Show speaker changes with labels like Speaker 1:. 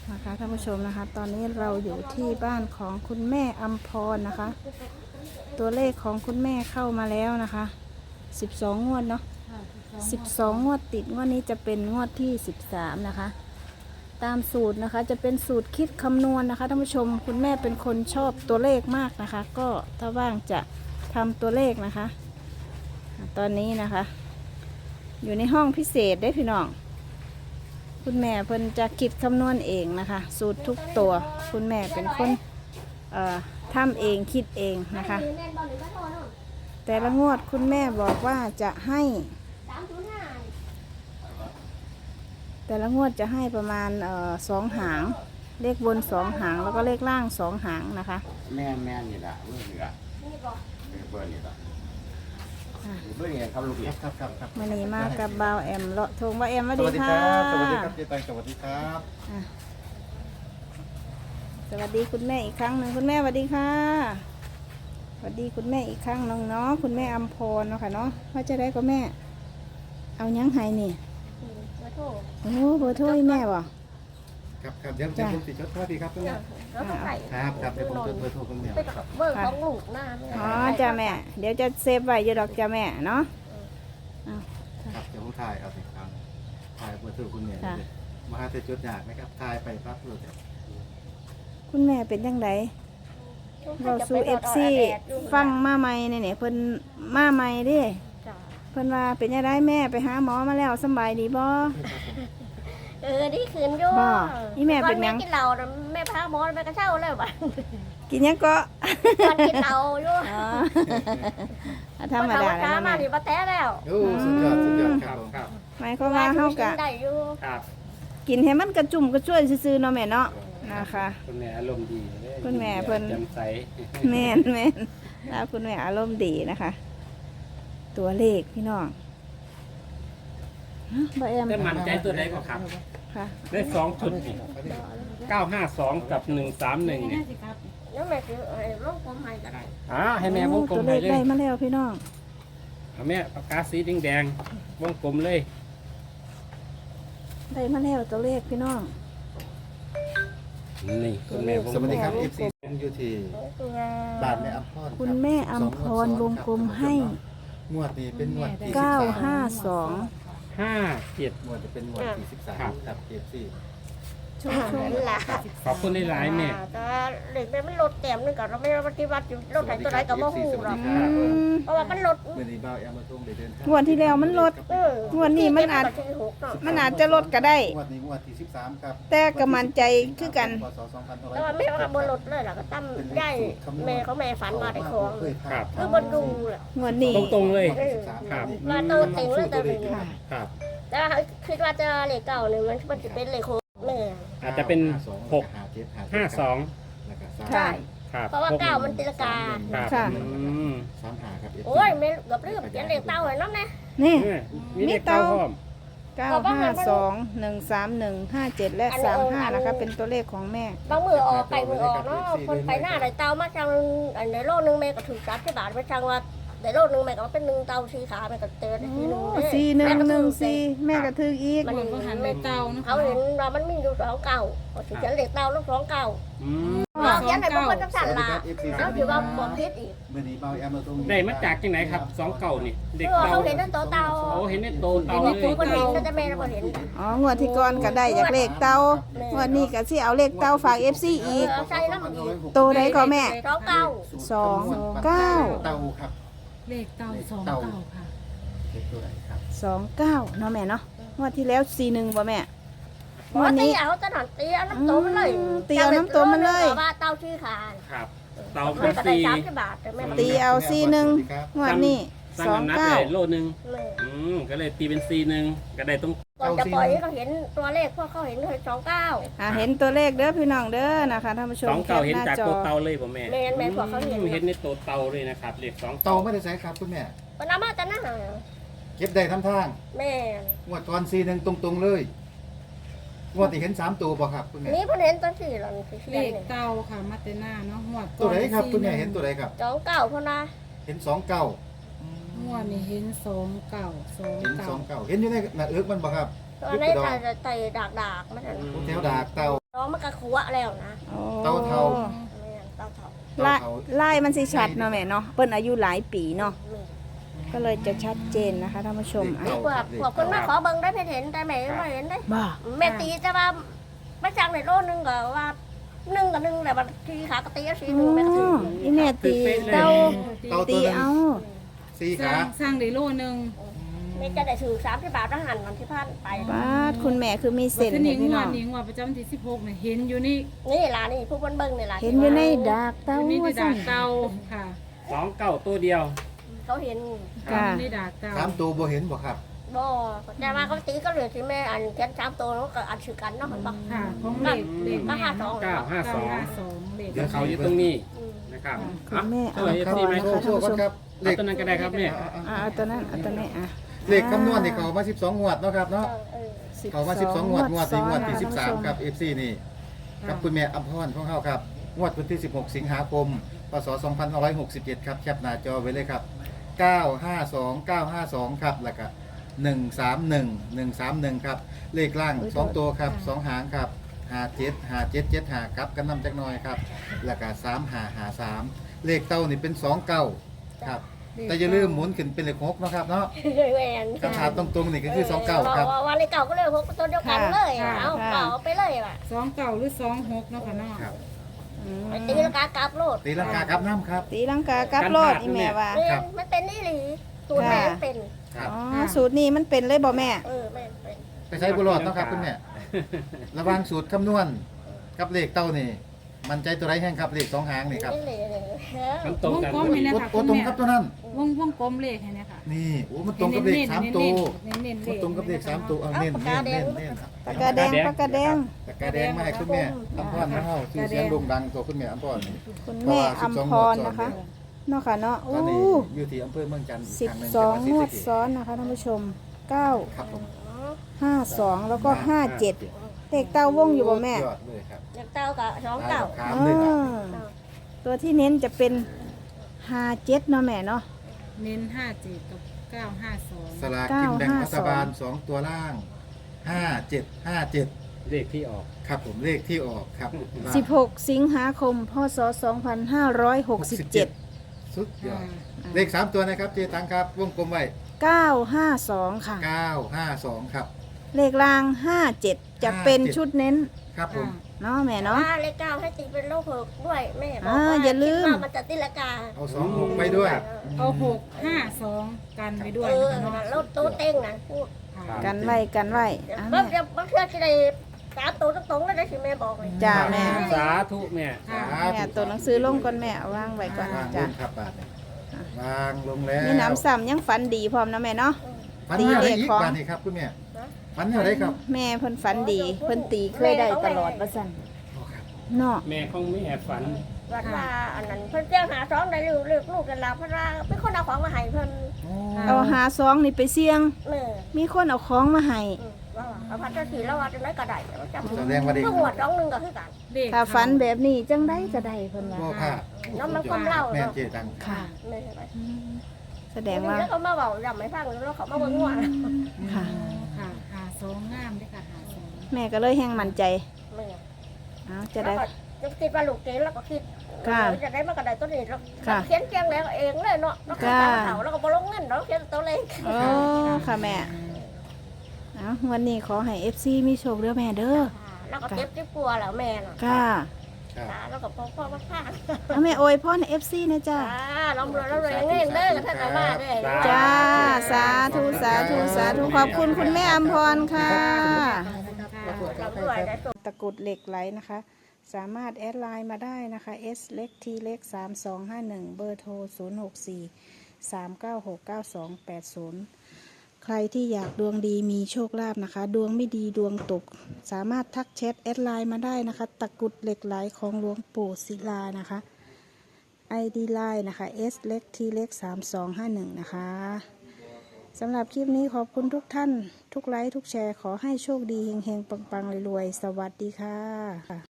Speaker 1: นะคะท่านผู้ชมนะคะตอนนี้เราอยู่ที่บ้านของคุณแม่อัมพรนะคะตัวเลขของคุณแม่เข้ามาแล้วนะคะ12งวดเนาะ12งวดติดงวดนี้จะเป็นงวดที่13นะคะตามสูตรนะคะจะเป็นสูตรคิดคำนวณนะคะท่านผู้ชมคุณแม่เป็นคนชอบตัวเลขมากนะคะก็ถ้าว่างจะทำตัวเลขนะคะตอนนี้นะคะอยู่ในห้องพิเศษได้พี่น้องคุณแม่เพิ่นจะคิดคำนวณเองนะคะสูตรทุกตัวคุณแม่เป็นคนทำเองคิดเองนะคะแต่ละงวดคุณแม่บอกว่าจะให้แต่ละงวดจะให้ประมาณ2 หางเลขบน2 หางแล้วก็เลขล่าง2 หางนะคะ
Speaker 2: แม่นี่แหละเบอร์นี่แหละเบอร์นี่แหละเบอร์นี่ครับลูกครับ
Speaker 1: วันนี้มากับบ่าวแอมเลาะทงบ่าวแอมสวัสดีค่ะ
Speaker 3: สวัสดีครับเจ๊ตังสวัสดีครับ
Speaker 1: สวัสดีคุณแม่อีกครั้งหนึ่งคุณแม่สวัสดีค่ะสวัสดีคุณแม่อีกครั้งน้องเนาะคุณแม่อัมพรเนาะค่ะเนาะว่าจะได้ก็แม่เอายังไงนี่โอ้เบอร์โทรแม่บ่
Speaker 3: ครับเดี๋ยวผมติดจดสวัสดีครับคุณแม่ครับเดี๋ยวผมจดเบอร์โทรคุณแม่ครับ
Speaker 4: เบอร์ของลูกหน้า
Speaker 1: อ๋อจ้าแม่เดี๋ยวจะเซฟไว้อยู่ดอกจ้าแม่เนาะ
Speaker 3: ครับเดี๋ยวผมถ่ายเอาสิครับถ่ายเบอร์โทรคุณแม่มาหาแต่จดยากนะครับถ่ายไปปั๊บเลย
Speaker 1: คุณแม่เป็นยังไงเราสู่FCฟังมาใหม่เนี่ยเพิ่นมาใหม่ดิเพิ่นว่าเป็นยังไงแม่ไปหาหมอมาแล้วสบายดีบ่
Speaker 4: นี่คืนอยู่
Speaker 1: นี่แม่เป็นยัง
Speaker 4: กินเหล้าแม่พาหมอไปกระเช้าเลยบ่
Speaker 1: กินยังก็
Speaker 4: กินเหล้าอยู่
Speaker 1: ธรรมดาแล้ว
Speaker 4: มาดิบ่แท้แล้ว
Speaker 3: โอ้สุดยอด
Speaker 2: ครับ
Speaker 1: หมายความว่าเฮากะ
Speaker 2: ครับ
Speaker 1: กินให้มันกระจุ่มกระช่วยซื่อๆเนาะแม่เนาะนะคะ
Speaker 2: คุณแม่อารมณ์ดี
Speaker 1: คุณแม่เพิ่น
Speaker 2: แจ่มใส
Speaker 1: แม่นแล้วคุณแม่อารมณ์ดีนะคะตัวเลขพี่น้องบ่แอม
Speaker 2: ได้มั่นใจตัวใดก็ครับ
Speaker 1: ค่ะ
Speaker 2: ได้2 ชุดนี่952กับ131เนี่ย
Speaker 4: แล้วแม่คือวงกลมให้ก็ได้
Speaker 2: ให้แม่วงกลม
Speaker 1: ให้
Speaker 2: เลย
Speaker 1: ได้มาแล้วพี่น้อง
Speaker 2: แม่ปากกาสีแดงๆวงกลมเลย
Speaker 1: ได้มาแล้วตัวเลขพี่น้อง
Speaker 2: นี่คุณแม่
Speaker 3: สวัสดีครับ FC อยู่ที่บ้านแม่อัมพร
Speaker 1: คุณแม่อัมพรวงกลมให้
Speaker 3: งวดนี้เป็นงวดที่
Speaker 1: 952
Speaker 3: งวดจะเป็นงวดที่13ครับ FC
Speaker 2: ขอบคุณหลายๆแม่
Speaker 4: แต่เด็กมันลดแต้มนึงก่อนเราไม่ปฏิบัติอยู่ลดไหนตัวไหนก็บ่ฮู้หรอกเพราะว่ามันลด
Speaker 3: มื้อนี้บ่าวแอมมาส่งได้เดินทาง
Speaker 1: งวดที่แล้วมันลดงวดนี้มันอาจจะลดก็ได้
Speaker 3: งวดนี้งวดที่13ครับ
Speaker 1: แต่ก็มั่นใจคือกัน
Speaker 4: แต่ว่าแม่ว่าบ่ลดเลยล่ะก็ตั้มได้แม่เขาแม่ฝันมาได้ของคือบ่ดูแหละ
Speaker 1: งวดนี้
Speaker 2: ตรงๆเลยครับ
Speaker 4: ว่าโตเต็งเลยแต่
Speaker 2: ครับ
Speaker 4: แต่คิดว่าจะเลขเก่าเนี่ยมันจะเป็นเลขแม่
Speaker 2: อาจจะเป็น652
Speaker 4: ใช่
Speaker 2: ครับ
Speaker 4: เพราะว่า9มันตีลังกา
Speaker 1: ค่ะ
Speaker 3: 35ครับ
Speaker 4: โอ้ยไม่กับเรื่องเขียนเลขเต้าเลยน้องนะ
Speaker 1: นี่
Speaker 2: มีเต้าพร้อม
Speaker 1: 952 131 57และ35นะคะเป็นตัวเลขของแม่
Speaker 4: บางมือออกไปมือออกเนาะคนไปหน้าไหนเต้ามาจังในโลกนึงแม่ก็ถือ30 บาทไปจังว่าในโลกนึงแม่ก็เป็น1เต้า4 ขาแม่ก็เตือนทีนึง
Speaker 1: 4114แม่ก็ถืออีก
Speaker 4: มันหันเลขเต้าเขาเห็นว่ามันมีอยู่2 เก่าถือเขียนเลขเต้าแล้ว2 เก่าเขียนไหนบางคนต้องสั่นละแล้วถือว่าบอกพิษอีก
Speaker 2: ได้มาจากที่ไหนครับ2 เก่านี่
Speaker 4: เด็กเขาเห็นนั่นโตเต้า
Speaker 2: เห็นในโตเต้าเลย
Speaker 4: คนเห็นก็จะแม่เราเห็น
Speaker 1: งวดที่ก่อนก็ได้จากเลขเต้างวดนี้ก็สิเอาเลขเต้าฝาก FC อีกโตได้ก็แม่29
Speaker 3: เต้าครับ
Speaker 5: เลขเต้า29ค่ะ
Speaker 1: 29เนาะแม่เนาะงวดที่แล้ว41บ่แม่
Speaker 4: วันนี้เอาตะหนันตีเอาน้ำโตมันเลย
Speaker 1: ตีเอาน้ำโตมันเลย
Speaker 4: ว่าเต้าชื่อขา
Speaker 2: ครับเต้าเป็น
Speaker 1: ตีเอา41งวดนี้
Speaker 2: 29โลนึงก็เลยตีเป็น41ก็ได้ตรง
Speaker 4: ก่อนจะปล่อยเขาเห็นตัวเลขพวกเขาเห็นเลย29
Speaker 1: เห็นตัวเลขเด้อพี่น้องเด้อนะคะท่านผู้ชม
Speaker 2: 29เห็นจากตัวเตาเลยบ่แม่
Speaker 4: แม่พวกเขา
Speaker 2: เห็นในตัวเตาเลยนะครับเลข2
Speaker 3: เตาไม่ได้ใช้ครับคุณแม่
Speaker 4: ปนามาจะน่า
Speaker 3: เก็บได้ทั้งทาง
Speaker 4: แม่
Speaker 3: งวดก่อน41ตรงๆเลยงวดที่เห็น3ตัวบ่ครับคุณแม่
Speaker 4: นี่เพิ่นเห็นตัว4แล้ว
Speaker 5: เลขเต้าค่ะมาเตน่าเนาะงวด
Speaker 3: ตัวไหนครับคุณแม่เห็นตัวไหนครับ
Speaker 4: 29เพิ่นนะ
Speaker 3: เห็น29
Speaker 5: งวดนี้เห็น29
Speaker 3: เห็นอยู่ในหน้าเอิกมันบ่ครับ
Speaker 4: ตอนนี้จะไต่ดากมัน
Speaker 3: แถวดากเต่า
Speaker 4: ท้องมันก็ขัวแล้วนะ
Speaker 1: โอ้
Speaker 3: เต่าเทา
Speaker 4: แม่เต่าเถา
Speaker 1: ลายลายมันสิชัดเนาะแม่เนาะเปิ้นอายุหลายปีเนาะ
Speaker 4: แม่
Speaker 1: ก็เลยจะชัดเจนนะคะท่านผู้ชมอ่ะ
Speaker 4: พวกคนมาขอเบิ่งได้เห็นแต่แม่ไม่เห็นได้
Speaker 1: บ้า
Speaker 4: แม่ตีจะว่าไม่จังในโลนึงก็ว่า1 กับ 1แต่ว่าทีขากตีสีหนึ่งแม่ก็ถือ
Speaker 1: อีแม่ตีเต้า
Speaker 3: เต่า
Speaker 1: ตี
Speaker 3: ตัวนึง
Speaker 1: เอา
Speaker 3: สี่
Speaker 5: ส
Speaker 3: ขา
Speaker 5: ร้างได้โลนึง
Speaker 4: แม่จะได้ถือ30 บาทแล้วหันวันที่พันไป
Speaker 1: บ้าดคุณแม่คือมี
Speaker 5: เส้
Speaker 1: เส้
Speaker 5: น
Speaker 1: น
Speaker 5: นี้
Speaker 1: ให้พี่
Speaker 5: งว
Speaker 1: น้อ
Speaker 5: ด
Speaker 1: ง
Speaker 5: นี้งวดประจำที่16เนี่ยเห็นอยู่นี่
Speaker 4: นี่ล่ะนี่ผู้เบิ่งนี่ล่ะ
Speaker 1: เห็นอยู่ในดากเต้า
Speaker 5: อยู่นี่ใน
Speaker 1: ว่า
Speaker 5: ดา
Speaker 1: สั่
Speaker 5: ก
Speaker 1: น
Speaker 5: เต่าค่ะ
Speaker 6: 29ตัวเดียว
Speaker 4: เขาเห็น
Speaker 1: ค่ะ
Speaker 5: อยู่ในดากเต่า
Speaker 3: 3 ตัวบ่เห็นบ่ครับ
Speaker 4: บ่แต่ว่าเขาตีก็เหลือที่แม่อันแค่3 ตัวแล้วก็อันชื่อกันเนาะมันบอก
Speaker 5: ค่ะของเลขเลข
Speaker 4: ก็
Speaker 5: แม่
Speaker 4: 52
Speaker 5: 952เลข
Speaker 3: เดี๋ยว
Speaker 6: เขาอยู่ตรงนี้นะครับ
Speaker 1: คุณแม่
Speaker 6: ช่วย
Speaker 1: อัมพ
Speaker 6: ที่
Speaker 1: ร
Speaker 6: ไหม
Speaker 1: นะคะ
Speaker 3: โช
Speaker 1: ท่าน
Speaker 3: ว์
Speaker 1: ผู้ชม
Speaker 3: ก่อนครับเล
Speaker 6: เอา
Speaker 3: ข
Speaker 6: ตัวนั้นก็ได้ครับเนี่ย
Speaker 1: เอาตัวนั้นเอาตัวนี้อ่ะ
Speaker 3: เลขคำนวณนี่เขามา12งวดเนาะครับเนาะ
Speaker 4: เออ
Speaker 3: เขามา12งวดงวดที่งวดที่
Speaker 1: ซ้อนนะคะ
Speaker 3: 13ครับ FC นี่กับคุณแม่อัมพรของเฮาครับงวดวันที่16 สิงหาคมพศ2567ครับแคปหน้าจอไว้เลยครับ952 952ครับแล้วก็131 ครับเลขล่าง2ตัวครับ2หางครับ57 57 75ครับกันนำจักหน่อยครับแล้วก็3553เลขเต้านี่เป็น29ครับแต่อย่าลืมหมุนขึ้นเป็นเลข6เนาะครับเนาะ
Speaker 4: แหวน
Speaker 3: คำถามตรงๆนี่ก็คือ29ครับ
Speaker 4: วันเลยเก่าก็เลย6ตัวเดียวกันเลยเอาเก่าไปเลยว่ะ
Speaker 5: 29หรือ26เนาะค่ะเนาะ
Speaker 3: ครับ
Speaker 1: อืม
Speaker 4: ไปตีลังกากลับโลด
Speaker 3: ตีลังกาครับน้ำครับ
Speaker 1: ตีลังกากลับรอดอีแม่ว่า
Speaker 4: มันเป็นนี่หรือตัวแม่เป็น
Speaker 3: ครับ
Speaker 1: อ๋อสูตรนี้มันเป็นเลยบ่แม่
Speaker 4: แม่เป็น
Speaker 3: ไปใช้บุหรอดเนาะครับคุณแม่ระหวังสูตรคำนวณกับเลขเต้านี่ มันใจตัวไรแห้งครับเลขสองหางนี่ครับ
Speaker 4: นี่เลย
Speaker 6: มันตรง
Speaker 5: วง
Speaker 6: กัน
Speaker 5: กลม
Speaker 6: พอ
Speaker 5: ให้
Speaker 6: ดี
Speaker 5: นะ
Speaker 3: โอ้
Speaker 5: คะ
Speaker 3: โอ้ตรงครับตัวนั้น
Speaker 5: วงกลมเลขให้นะคะ
Speaker 3: นี่โอ้มันตรงกับเลข3ตัว
Speaker 5: เน้นๆเล
Speaker 3: มัน
Speaker 5: ข
Speaker 3: ตรงกับเลข3ตัวเอาเน้นเน้นเน้นเน้น
Speaker 1: ปากกาแดงปากกาแดง
Speaker 3: แต่กาแดงมาให้คุณแม่อัมพรมาเฮาชื่อเสียงโด่งดังตัวคุณแม่อัมพรนี่
Speaker 1: คุณแม่อัมพรนะคะเนาะค่ะเนาะ
Speaker 3: ต
Speaker 1: โอ้
Speaker 3: อนนี้อยู่ที่อำเภอเมืองจันทร์อีกครั้งหนึง
Speaker 1: 12 งวด
Speaker 3: จังหวัดศรีสะเกษ
Speaker 1: ซ้อนนะคะท่านผู้ชม
Speaker 3: ครับผม
Speaker 1: 952 แล้วก็ 57เลขเต้าวงอยู่บ่แม่
Speaker 3: ยอดเลยครับ
Speaker 4: เต้ากับสองเต้า
Speaker 3: ขามเลยครับ
Speaker 1: ตัวที่เน้นจะเป็น57เนาะแม่เนาะ
Speaker 5: เน้น57กับ952
Speaker 3: สลากกินแบ่งรัฐบาล2ตัวล่าง5757
Speaker 6: เลขที่ออก
Speaker 3: ครับผมเลขที่ออกครับ
Speaker 1: 16 สิงหาคม พศ 2567
Speaker 3: สุดยอดเลข3ตัวนะครับเจตังครับวงกลมไว้
Speaker 1: 952 ค่ะ
Speaker 3: 952ครับ
Speaker 1: เลขราง 57 จะเป็นชุดเน้น
Speaker 3: ครับผม
Speaker 1: เนาะแม่เนาะ
Speaker 4: เลข9ให้ตีเป็นโลกหกด้วยแม่บอก
Speaker 1: อ่า
Speaker 4: ว่า
Speaker 1: อย่าลืม
Speaker 4: คิดว่ามันจะตีละกา
Speaker 3: เอา26ไปด้วย
Speaker 5: เอา652กันไปด้วยนะคะเนาะ
Speaker 4: แล้วตู้เต้งนะพูด
Speaker 5: ค่ะ
Speaker 1: กันไว้กันไว้อ่ะ
Speaker 4: บาง
Speaker 1: แม่
Speaker 4: บางเทื่อที่ได้3 ตัวตรงๆแล้วได้สิแม่บอกเลย
Speaker 1: จ้าแม่
Speaker 6: สาธุแม่
Speaker 5: ค่ะ
Speaker 1: แม่ตัวหนังสือลงก่อนแม่เอาวางไว้ก่อน
Speaker 3: วางล
Speaker 1: จ้ะ
Speaker 3: งครับบาทนี่วางลงแล้ว
Speaker 1: มีน้ำซ้ำยังฝันดีพร้อมนะแม่เนาะ
Speaker 3: ฝันแนวได้อีก
Speaker 1: ตีเลขของ
Speaker 3: บาทนี่ครับคุณแม่ฝันแนวได้ครับ
Speaker 1: แม่เพิ่นฝันดี เพิ่นตีเคยได้ตลอดว่าซั่น
Speaker 3: โอ้ครับ
Speaker 1: เนาะ
Speaker 6: แม่ของแม่ฝัน
Speaker 4: วัดว่าอันนั้นเพิ่นเจ้าหาซ้อมได้ลูกกันแล้วเพราะว่าเป็นคนเอาของมาให้เพิ่น
Speaker 3: โอ้
Speaker 1: เอาหาซองนี่ไปเสี่ยง
Speaker 4: แม่
Speaker 1: มีคนเอาของมาให้
Speaker 4: ว่าเอาพัดจะสีแล้วว่าจะได้ก็ได้จำ
Speaker 3: แสดงว่าเด็ก
Speaker 4: ก็หัวจ้องนึงก็คือกัน
Speaker 5: เลข
Speaker 1: ถ้าฝันแบบนี้จังได้ก็ได้เพิ่นว่า
Speaker 3: โอ้ค่ะ
Speaker 4: น้ำมันความเล่า
Speaker 3: แม่
Speaker 4: เนาะ
Speaker 3: เจตัง
Speaker 1: ค่ะ
Speaker 4: แม่ไป
Speaker 1: แสดงว่า
Speaker 4: แล้วเขามาบอกจำไม่ฟังแล้วเขามาเบิ่งว่า
Speaker 1: ค่ะ
Speaker 5: ค่ะ52งามเด้อค่ะ52
Speaker 1: แม่ก็เลยแห้งมั่นใจ
Speaker 4: แม่
Speaker 1: เอาจะได้
Speaker 4: จะคิดว่าลูกเก๋แล้วก็คิด
Speaker 1: ค่ะ
Speaker 4: จะได้มากระไดตัวนี้แล้ว
Speaker 1: ค่ะ
Speaker 4: เขียนเกียงแล้วเองเลยเนาะแล้วก็ตามเขาแล้วก็บ่ลงเงินเนาะเขียนตัวเล็ก
Speaker 1: โอ้ค่ะแม่เอาวันนี้ขอให้ FC มีโชคเด้อแม่เด้อ
Speaker 4: แล้วก็เจ็บที่กลัวแล้วแม่น่ะ
Speaker 1: ค่ะ
Speaker 3: ครับ
Speaker 4: แล้วก็พ่อมาพา
Speaker 1: เอาแม่อวยพรให้ FC นะจ้า
Speaker 4: ลำรวยเงินเด้อท่านอามาเด้อ
Speaker 1: จ้า สาธุสาธุสาธุขอบคุณคุณแม่อำพรค่ะ
Speaker 4: ลำรวยได้
Speaker 1: ตะกรุดเหล็กไหลนะคะ สามารถแอดไลน์มาได้นะคะ S เล็ก T เล็ก3251 เบอร์โทร 064 396 9280 ใครที่อยากดวงดีมีโชคลาภนะคะ ดวงไม่ดีดวงตก สามารถทักแชทแอดไลน์มาได้นะคะ ตะกรุดเหล็กไหลของหลวงปู่ศิลานะคะ ID ไลน์นะคะ S เล็ก T เล็ก3251 นะคะสำหรับคลิปนี้ขอบคุณทุกท่าน ทุกไลค์ทุกแชร์ขอให้โชคดีเฮงๆปังๆรวยๆสวัสดีค่ะ